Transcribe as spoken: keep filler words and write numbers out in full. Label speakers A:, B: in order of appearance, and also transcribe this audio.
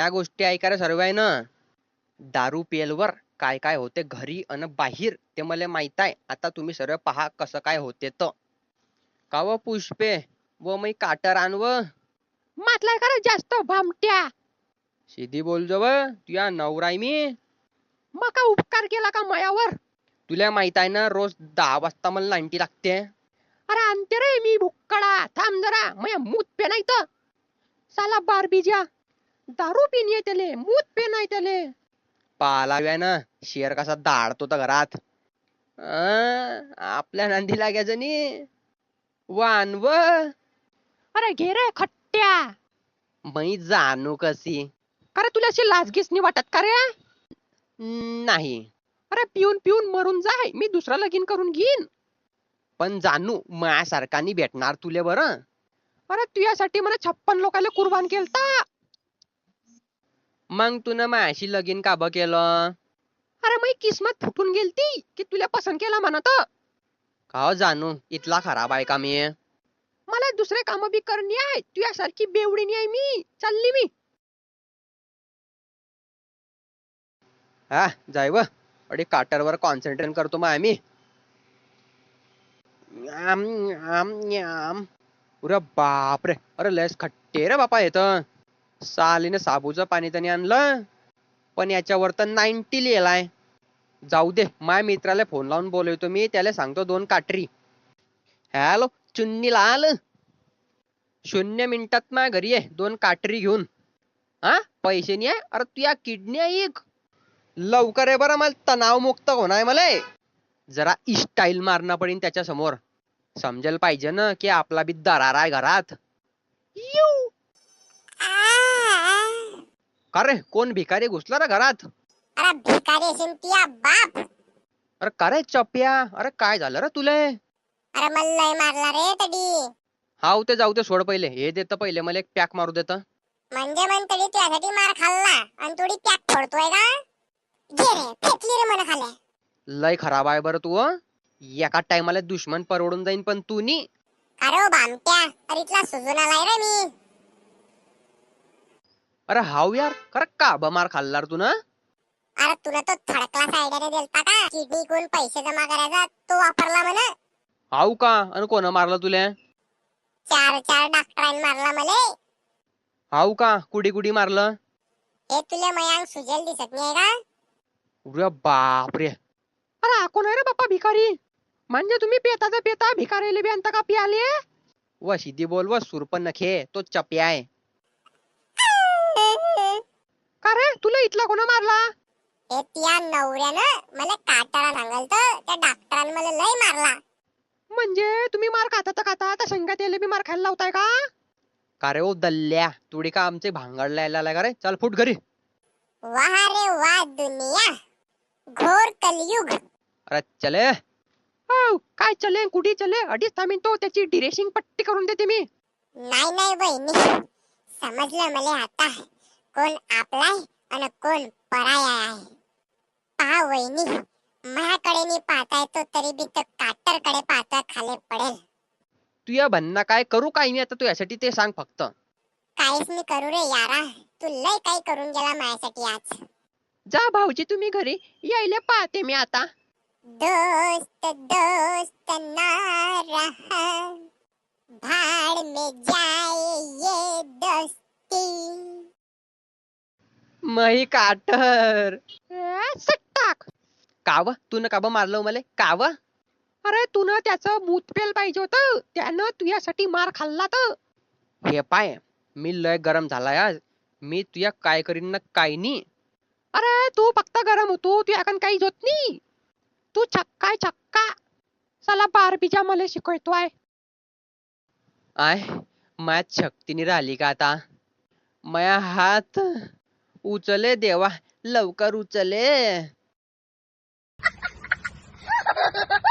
A: म्या गोष्टी ऐकायला सर्व आहे ना. दारू पेलवर काय काय होते घरी अन बाहेर ते मला माहित आहे. आता तुम्ही सर्व पहा कसं काय होते तर. का व पुष्पे व मी काटर आणव
B: मातलाय का रे जास्त भामट्या.
A: सीधी बोल जव तुया नवराय मी.
B: मग का उपकार केला का मायावर.
A: तुला माहित आहे ना रोज दहा वाजता मला नाईन्टी लागते.
B: अरे आणते रे मी भुक्कडा थांब जरा मया मूत पे नाही तर. साला बारबीजा दारू पिन येतेले मूत पे नाही त्याले.
A: पालाव्या ना शेर कसा दाडतो तर घरात. अं, आपल्या नांदी लागायचं नी वानव.
B: अरे घे रे खट्ट्या.
A: मी जाणू कशी.
B: अरे तुला अशी लाजगीच नाही वाटत का रे.
A: नाही
B: अरे पिऊन पिऊन मरून जाय मी दुसरा लगीन करून घेईन.
A: पण जाणू माझ्यासारखा नाही भेटणार तुले बरं.
B: अरे तुझ्यासाठी मला छप्पन लोकांना कुर्बान केलता.
A: मग तू ना माझ्याशी लगीन का ब केलं.
B: अरे मी किस्मत फुटून गेलती की तुला पसंत केला म्हणत.
A: का हो जाणू इथला खराब आहे का मी.
B: मला दुसरे काम बी करणी आहे तुझ्यासारखी बेवडी नाही आहे मी. चालली मी.
A: हा जाय व अरे काटरवर कॉन्सन्ट्रेट करतो मग आम्ही. आम आम आम अरे बापरे अरे लस खट्टे रे बापा येत. सालीने साबूचं पाणी त्याने आणलं पण याच्यावर तर नाईन्टी लिहिलाय. जाऊ दे माझ्या मित्राला फोन लावून बोलवतो मी त्याला सांगतो दोन काटरी. हॅलो चुन्नी लाल शून्य मिनिटात माझ्या घरी आहे दोन काटरी घेऊन. हा पैसे नाही आहे. अरे तू या किडनी आहे एक. लवकर आहे बरं मला तणाव मुक्त होणार मला. जरा स्टाईल मारणं पडेल त्याच्या समोर. समजेल पाहिजे ना की आपला बी दरार आहे घरात.
B: यू
A: का रे कोण भिकारी घुसला रे घरात.
C: अरे भिकारी सिंतिया बाप.
A: अरे का रे चप्या अरे काय झालं रे तुले.
C: अरे मला लय मारला रे तडी.
A: हाव ते जाऊ ते सोड पहिले हे देत पहिले मला एक पॅक मारू देत.
C: म्हणजे मन तडी तुझ्यासाठी मार खाल्ला आणि थोडी पॅक फोडतोय का. घे रे फेकली रे मन खाले.
A: लय खराब आहे बरं तू. एका टायमाला दुश्मन परवडून जाईन पण तू नी.
C: अरे ओ भामट्या अरे इथला सुजून आलाय रे मी.
A: अरे हाव यार खरं का ब मार खाल्ला रे तू ना.
C: अरे तुला तो थर्ड क्लास आयडियाने दिलता का किडनी कोण पैसे जमा करायचा तो वापरला म्हणे.
A: हाव का आणि कोण मारलं तुले.
C: चार चार डॉक्टरांनी मारला मले.
A: हाव का कुडी कुडी मारलं.
C: हे तुला मयांग सुजेल दिसत नाही का.
A: अरे बापरे.
B: अरे हा कोण आहे रे बाप्पा भिकारी. म्हणजे तुम्ही पेताचा पेता भिकारीले बी आणता का पियाले.
A: व सिद्धी बोल व सुरपन नखे तो चप्या आहे.
B: का रे तुला इथला कोणा मारला.
C: हे त्या नवऱ्यानं मला काटाळा सांगलत त्या डॉक्टरांनी मला लय मारला.
B: म्हणजे तुम्ही मार खाता खाता त्या संघात यायला बी मार खायला लावताय का.
A: का रे ओ दल्ल्या तुडी का आमचे भांगडला यायला का रे. चल फुट घरी.
C: वाह रे वाह दुनिया घोर कलयुग.
A: अरे चले.
B: हो काय चले कुठे चले अडीच थांबीन तो त्याची डिरेशिंग पट्टी करून देते मी.
C: नाही नाही बहिणी समजलं मला आता कोण आपलाय आणि कोण पराया आहे. पहा वहिनी माझ्याकडे मी पाहता येतो तरी बी तो काटरकडे पाहता खाली पडेल.
A: तू या भन्ना काय करू काय मी आता तू यासाठी ते सांग फक्त.
C: काहीच मी करू रे यारा तू लय काही करून गेला माझ्यासाठी आज.
B: जा भाऊजी तुम्ही घरी यायला पाहते मी आता.
C: दोस्त दोस्त ना रहा भाड़ में जाए ये दोस्ती.
A: मही काटर
B: सट्टाक.
A: काव तू न काब मारलं मला काव.
B: अरे तू ना त्याचं मूत पेल पाहिजे होतं त्यानं तुझ्यासाठी मार खाल्ला तर.
A: हे पाय मी लय गरम झालाय आज. मी तुया काय करीन ना काय नी.
B: अरे तू फक्त गरम होतो तू याकन काहीच होत नाही. तू छक्का छक्का. साला बारबीजा मला शिकवतोय.
A: आय मायात शक्तीने राहिली का आता. माया हात उचले देवा लवकर उचले.